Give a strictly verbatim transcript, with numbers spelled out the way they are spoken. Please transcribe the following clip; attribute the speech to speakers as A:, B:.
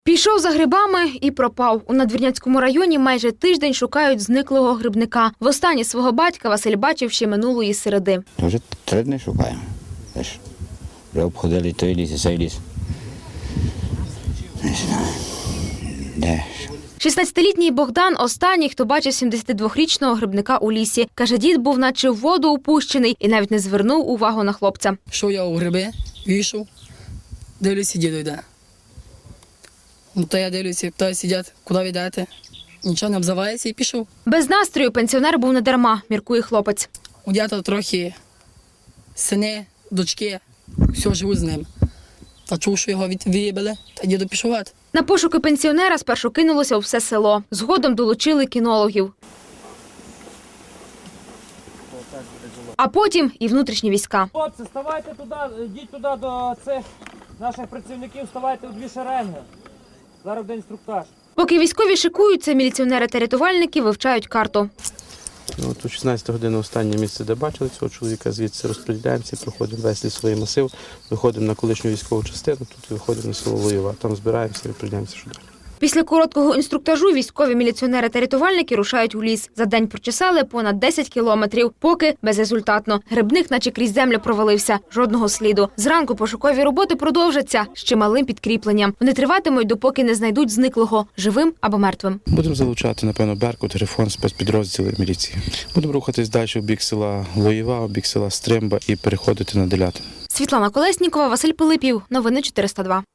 A: Пішов за грибами і пропав. У Надвірнянському районі майже тиждень шукають зниклого грибника. Востаннє свого батька Василь бачив ще минулої середи.
B: Вже три дні шукаємо. Вже обходили той ліс і цей ліс. Не знаю. Де?
A: шістнадцятилітній Богдан – останній, хто бачив сімдесятидвохрічного грибника у лісі. Каже, дід був наче в воду упущений і навіть не звернув увагу на хлопця.
C: Йшов я у гриби, вийшов, дивлюся, діду йде. Ну, то я дивлюся, питаю, сидять, куди ви йдете? Нічого не обзивається і пішов.
A: Без настрою пенсіонер був не дарма, міркує хлопець.
C: У дята трохи сини, дочки, все живуть з ним. Та чув, що його виїбали, та діду пішов.
A: На пошуки пенсіонера спершу кинулося у все село. Згодом долучили кінологів. А потім і внутрішні війська.
D: Хлопці, ставайте туди, йдіть туди до цих наших працівників, ставайте у дві шеренги. Зараз буде інструктаж.
A: Поки військові шикуються, міліціонери та рятувальники вивчають карту.
E: Ну, от у шістнадцяту годину останнє місце, де бачили цього чоловіка, звідси розподіляємося, проходимо весь лісовий масив, виходимо на колишню військову частину, тут виходимо на село Лоєва, там збираємося і розподіляємося, що далі.
A: Після короткого інструктажу військові, міліціонери та рятувальники рушають у ліс. За день прочесали понад десять кілометрів, поки безрезультатно. Грибник наче крізь землю провалився. Жодного сліду. Зранку пошукові роботи продовжаться з чималим підкріпленням. Вони триватимуть, допоки не знайдуть зниклого – живим або мертвим.
E: Будемо залучати, напевно, Беркут, Грифон, спецпідрозділи міліції. Будемо рухатись далі в бік села Лоєва, в бік села Стримба і переходити на Делятин.
A: Світлана Колеснікова, Василь Пилипів. Новини чотириста два.